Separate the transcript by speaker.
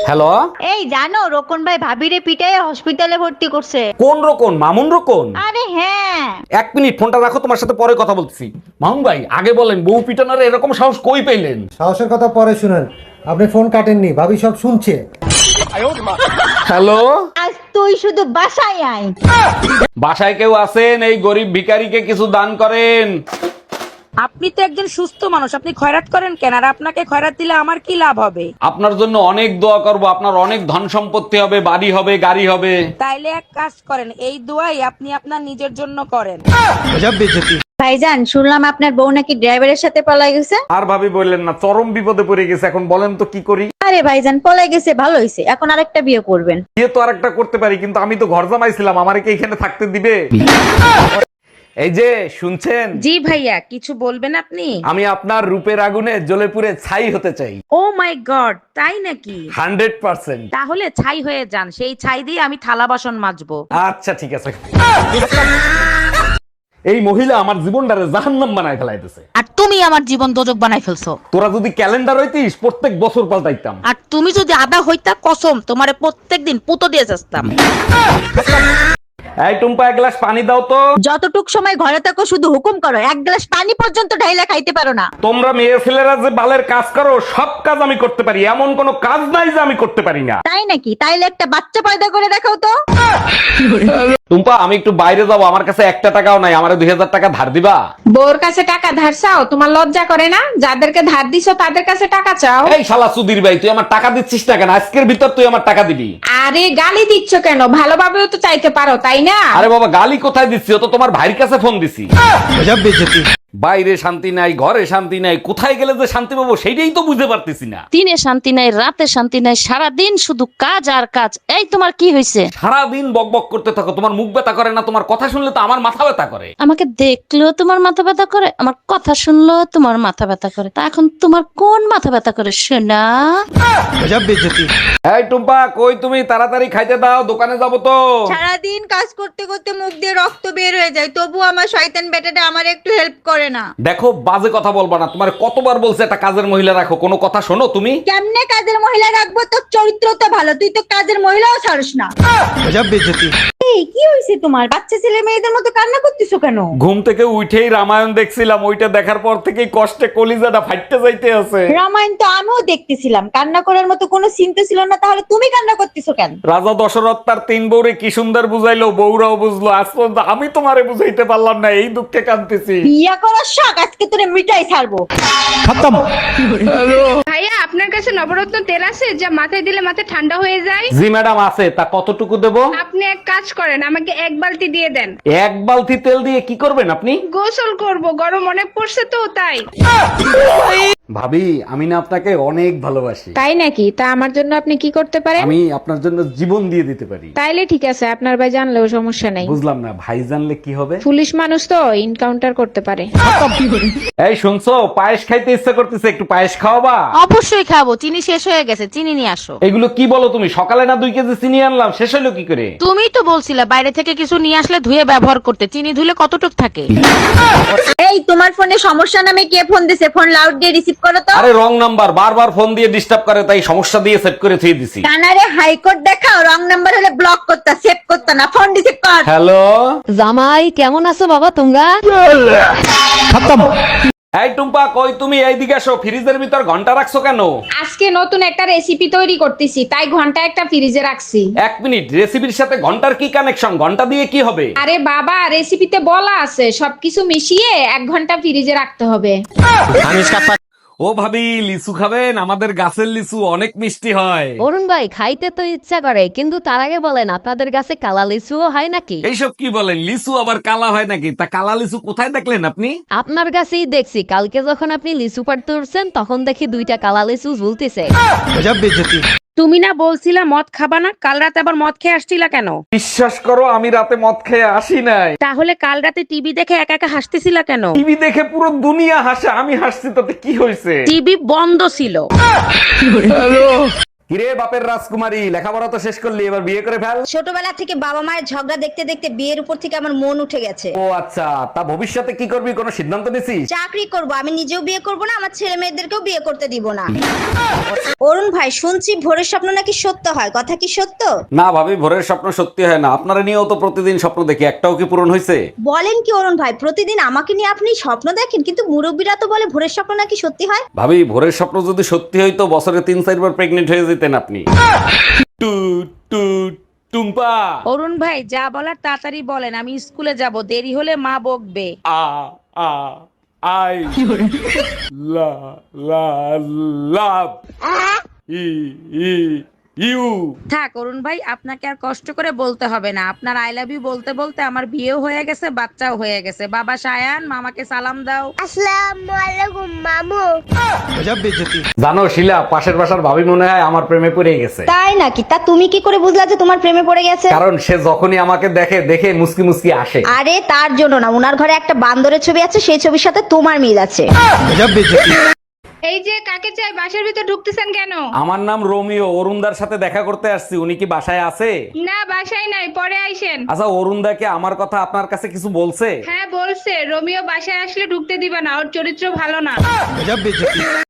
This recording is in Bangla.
Speaker 1: হ্যালো,
Speaker 2: এই জানো রোকন ভাই ভাবিরে পিটায় হসপিটালে ভর্তি করছে।
Speaker 1: কোন রকম? মামুন রকম?
Speaker 2: আরে হ্যাঁ।
Speaker 1: এক মিনিট, ফোনটা রাখো, তোমার সাথে পরে কথা বলছি। মামুন ভাই, আগে বলেন বউ পিটানোর এরকম সাহস কই পেলেন?
Speaker 3: সাহসের কথা পরে শুনেন, আপনি ফোন কাটেননি, ভাবি সব শুনছে।
Speaker 1: হ্যালো,
Speaker 2: আজ তুই শুধু বাসায় আয়।
Speaker 1: বাসায় কেউ আছেন? এই গরিব ভিখারিকে কিছু দান করেন।
Speaker 4: আপনি তো একজন সুস্থ মানুষ, আপনি খয়রাত করেন কেন? আর আপনাকে খয়রাত দিলে আমার কি লাভ হবে?
Speaker 1: আপনার জন্য অনেক দোয়া করব, আপনার অনেক ধন সম্পত্তি হবে, বাড়ি হবে, গাড়ি হবে।
Speaker 4: তাইলে এক কাজ করেন, এই দোয়াই আপনি আপনার নিজের জন্য করেন।
Speaker 2: ভাইজান শুনলাম আপনার বউ নাকি ড্রাইভারের সাথে পলাই গেছে।
Speaker 1: আর ভাবি বললেন না, চরম বিপদে পড়ে গেছে। এখন বলেন তো কি করি?
Speaker 2: আরে ভাইজান পলাই গেছে ভালো হয়েছে, এখন আরেকটা বিয়ে করবেন।
Speaker 1: বিয়ে তো আরেকটা করতে পারি, কিন্তু আমি তো ঘর জামাইছিলাম, আমারে কি এখানে থাকতে দিবে? এই যে শুনছেন,
Speaker 4: জি ভাইয়া, কিছু বলবেন আপনি?
Speaker 1: আমি আপনার রূপের আগুনে জ্বলে পুড়ে ছাই হতে চাই।
Speaker 4: ও মাই গড, তাই নাকি?
Speaker 1: 100%।
Speaker 4: তাহলে ছাই হয়ে যান, সেই ছাই দিয়ে আমি থালা বাসন মাজবো।
Speaker 1: আচ্ছা ঠিক আছে। এই মহিলা আমার জীবনটারে জাহান্নাম বানায় ফেলাইতেছে।
Speaker 4: আর তুমি আমার জীবন দোজক বানাই ফেলছো।
Speaker 1: তোরা যদি ক্যালেন্ডার হইতিস, প্রত্যেক বছর পাল্টাইতাম।
Speaker 4: আর তুমি যদি আদা হইতা, কসম তোমারে প্রত্যেকদিন পুতো দিয়ে যাস্তাম।
Speaker 1: এই টুম্পা, এক গ্লাস পানি দাও তো।
Speaker 2: যতটুক সময় ঘরে থাকো শুধু হুকুম করো, এক গ্লাস পানি পর্যন্ত ঢাইলা খাইতে পারো না।
Speaker 1: তোমরা মেয়ে ছেলেরা যে বালের কাজ করো, সব কাজ আমি করতে পারি, এমন কোনো কাজ নাই যে আমি করতে পারি না।
Speaker 2: তাই নাকি? তাইলে একটা বাচ্চা পয়দা করে দেখাও তো।
Speaker 1: টুম্পা, আমি একটু বাইরে যাবো, আমার কাছে একটা টাকাও নাই, আমারে 2000 টাকা ধার দিবা?
Speaker 5: বউর কাছে টাকা ধার চাও? তোমার লজ্জা করে না? যাদেরকে ধার দিছো তাদের কাছে টাকা চাও।
Speaker 1: এই শালা সুধীর ভাই, তুই আমার টাকা দিচ্ছিস না কেন? আজকের ভিতর তুই আমার টাকা দিবি।
Speaker 5: আরে গালি দিচ্ছ কেন? ভালোভাবেও তো চাইতে পারো, তাই না?
Speaker 1: আরে বাবা, গালি কোথায় দিচ্ছি? ও তো তোমার ভাইয়ের কাছে ফোন দিছি। বাইরে শান্তি নাই, ঘরে শান্তি নাই, কোথায় গেলে যে শান্তি পাবো সেইটাই তো বুঝতে পারতেছি না।
Speaker 6: দিনে শান্তি নাই, রাতে শান্তি নাই, সারাদিন শুধু কাজ আর কাজ। এই তোমার কি হয়েছে?
Speaker 1: সারাদিন বকবক করতে থাকো, তোমার মুখ ব্যথা করে না? তোমার কথা শুনলে তো আমার মাথা ব্যথা করে।
Speaker 6: আমাকে দেখলেও তোমার মাথা ব্যথা করে, আমার কথা শুনলেও তোমার মাথা ব্যথা করে। তা এখন তোমার কোন মাথা ব্যথা করে শোনা?
Speaker 1: এই টুম্পা, কই তুমি? তাড়াতাড়ি খাইতে দাও, দোকানে যাবো তো।
Speaker 2: সারাদিন কাজ করতে করতে মুখ দিয়ে রক্ত বের হয়ে যায়, তবু আমার শয়তান বেটাটা আমার একটু হেল্প করে না।
Speaker 1: দেখো, বাজে কথা বলবা না। তোমার কতবার বলছে একটা কাজের মহিলা রাখো, কোনো কথা শোনো তুমি?
Speaker 2: কেমনে কাজের মহিলা রাখবো? তোর চরিত্র তো ভালো, তুই তো কাজের মহিলাও ছাড়স না। এই কি হয়েছে তোমার? বাচ্চা ছেলে মেয়েদের মতো কান্না করতেছো কেন?
Speaker 1: ঘুম থেকে উঠেই রামায়ণ দেখছিলাম, ওইটা দেখার পর থেকেই কষ্টে কলিজাটা ফাটতে যাইতে আছে।
Speaker 2: রামায়ণ তো আমিও দেখতেছিলাম, কান্না করার মতো কোনো চিন্তা ছিল না, তাহলে তুমি কান্না করতেছো কেন?
Speaker 1: রাজা দশরথ তার 3 বউরে কি সুন্দর বুঝাইলো, বউরাও বুঝলো। আজ পর্যন্ত আমি তোমারে বুঝাইতে পারলাম না, এই দুঃখে কাঁদতেছি।
Speaker 2: বিয়া করার শখ আজকে তোরে মিটাই ছাড়বো।
Speaker 5: ভাইয়া, আপনার কাছে নবরত্ন তেল আছে যা মাথায় দিলে মাথা ঠান্ডা হয়ে যায়?
Speaker 1: জি ম্যাডাম আছে, তা কতটুকু দেব?
Speaker 5: আপনি এক কাজ করেন, আমাকে 1 বালতি দিয়ে দেন।
Speaker 1: 1 বালতি তেল দিয়ে কি করবেন আপনি?
Speaker 5: গোসল করব, গরম অনেক পড়ছে তো তাই।
Speaker 1: ভাবি, আমি না আপনাকে অনেক ভালোবাসি।
Speaker 5: তাই নাকি? তা আমার জন্য আপনি কি করতে পারেন?
Speaker 1: আমি আপনার জন্য জীবন দিয়ে দিতে পারি।
Speaker 5: তাইলে ঠিক আছে, আপনার ভাই জানলেও সমস্যা নাই।
Speaker 1: বুঝলাম না, ভাই জানলে কি হবে?
Speaker 5: পুলিশ মানুষ তো এনকাউন্টার করতে পারে।
Speaker 1: এই শুনছো, পায়েস খাইতে ইচ্ছা করতেছে, একটু পায়েস খাওয়াবা?
Speaker 4: অবশ্যই খাবো, চিনি শেষ হয়ে গেছে, চিনি নিয়ে আসো।
Speaker 1: এগুলো কি বলো তুমি? সকালে না 2 কেজি চিনি আনলাম, শেষ হলো কি করে?
Speaker 4: তুমি তো বলছিলে বাইরে থেকে কিছু নিয়ে আসলে ধুয়ে ব্যবহার করতে, চিনি ধুলে কতটুক থাকে?
Speaker 2: এই তোমার ফোনে সমস্যা নামে কে ফোন দিছে? ফোন লাউড দিয়ে রিসিভ করো তো।
Speaker 1: আরে রং নাম্বার, বারবার ফোন দিয়ে ডিস্টার্ব করে, তাই সমস্যা দিয়ে সেভ করে থুয়ে দিছি।
Speaker 2: কানারে হাইকোর্ট দেখাও, রং নাম্বার হলে ব্লক করতা, সেভ করতা না, ফোন রিসিভ কর।
Speaker 1: হ্যালো
Speaker 6: জামাই কেমন আছো বাবা তোমরা?
Speaker 1: এই টুম্পা, কই তুমি? এইদিকে আসো। ফ্রিজের ভিতর ঘন্টা রাখছো কেন?
Speaker 5: আজকে নতুন একটা রেসিপি তৈরি করতেছি, তাই ঘন্টা একটা ফ্রিজে রাখছি।
Speaker 1: 1 মিনিট, রেসিপির সাথে ঘন্টার কি কানেকশন? ঘন্টা দিয়ে কি হবে?
Speaker 5: আরে বাবা, রেসিপিতে বলা আছে সবকিছু মিশিয়ে 1 ঘন্টা ফ্রিজে রাখতে হবে।
Speaker 1: ও ভাবি, লিচু খাবেন? আমাদের গাছের লিচু অনেক মিষ্টি হয়।
Speaker 6: অরুণ ভাই, খাইতে তো ইচ্ছা করে, কিন্তু তার আগে বলেন আপনাদের কাছে কালা লিচুও হয় নাকি?
Speaker 1: এইসব কি বলেন? লিচু আবার কালা হয় নাকি? তা কালা লিচু কোথায় দেখলেন আপনি?
Speaker 6: আপনার কাছেই দেখছি, কালকে যখন আপনি লিচু পাড়তে উঠছেন তখন দেখি 2টা কালা লিচু ঝুলতেছে।
Speaker 4: তুমি না বলছিলা মদ খাবা না? কাল রাতে আবার মদ খেয়ে আসছিলা কেন?
Speaker 1: বিশ্বাস করো, আমি রাতে মদ খেয়ে আসি নাই।
Speaker 4: তাহলে কাল রাতে টিভি দেখে একা একা হাসতেছিলা কেন?
Speaker 1: টিভি দেখে পুরো দুনিয়া হাসে, আমি হাসছি, তাতে কি হয়েছে?
Speaker 4: টিভি বন্ধ ছিল।
Speaker 1: কিরে বাপের রাজকুমারী, লেখাপড়া তো শেষ করলি, এবার বিয়ে করে ফেল।
Speaker 2: ছোটবেলা থেকে বাবা মায়ের ঝগড়া দেখতে দেখতে বিয়ের উপর থেকে আমার মন উঠে গেছে।
Speaker 1: ও আচ্ছা, তা ভবিষ্যতে কি করবি, কোনো সিদ্ধান্ত নিছিস?
Speaker 2: চাকরি করব, আমি নিজেও বিয়ে করব না, আমার ছেলে মেয়েদেরকেও বিয়ে করতে দিব না। অরুণ ভাই, শুনছি ভোরের স্বপ্ন নাকি সত্য হয়, কথা কি সত্য?
Speaker 1: না ভাবি, ভোরের স্বপ্ন সত্যি হয় না। আপনারা নিয়েও তো প্রতিদিন স্বপ্ন দেখি, একটাও কি পূরণ হয়েছে?
Speaker 2: বলেন কি অরুণ ভাই, প্রতিদিন আমাকে নিয়ে আপনি স্বপ্ন দেখেন, কিন্তু মুরব্বীরা তো বলে ভোরের স্বপ্ন নাকি সত্যি হয়।
Speaker 1: ভাবি, ভোরের স্বপ্ন যদি সত্যি হইতো বছরে 3-4 বার প্রেগনেন্ট হয়ে যেতেন আপনি। টুট টুট টুম্পা।
Speaker 4: অরুণ ভাই, যা বলার তাড়াতাড়ি বলেন, আমি স্কুলে যাব, দেরি হলে মা বকবে।
Speaker 1: আ আ আই লা লা লাভ ই ই ইউ।
Speaker 4: থাক অরুণ ভাই, আপনাকে আর কষ্ট করে বলতে হবে না। আপনার আই লাভ ইউ বলতে বলতে আমার বিয়েও হয়ে গেছে, বাচ্চাও হয়ে গেছে। বাবা সায়ান, মামাকে সালাম দাও।
Speaker 2: আসসালামু আলাইকুম মামু।
Speaker 1: জানো শিলা, পাশের বাসার ভাবি মনে হয় আমার প্রেমে পড়ে গেছে।
Speaker 2: তাই নাকি? তা তুমি কি করে বুঝলা যে তোমার প্রেমে পড়ে গেছে?
Speaker 1: কারণ সে যখনই আমাকে দেখে দেখে মুসকি মুসকি আসে।
Speaker 2: আরে তার জন্য না, উনার ঘরে একটা বান্দরের ছবি আছে, সেই ছবির সাথে তোমার মিল আছে।
Speaker 5: এই যে কাকে চাই, বাসার ভিতর ঢুকতেছেন কেন?
Speaker 1: আমার নাম রোমিও, অরুণদার সাথে দেখা করতে আসছি। উনি কি বাসায় আছে?
Speaker 5: না, বাসায় নাই, পরে আইসেন।
Speaker 1: আচ্ছা, অরুণদাকে আমার কথা আপনার কাছে কিছু বলছে?
Speaker 5: হ্যাঁ বলছে, রোমিও বাসায় আসলে ঢুকতে দিবা না, ওর চরিত্র ভালো না।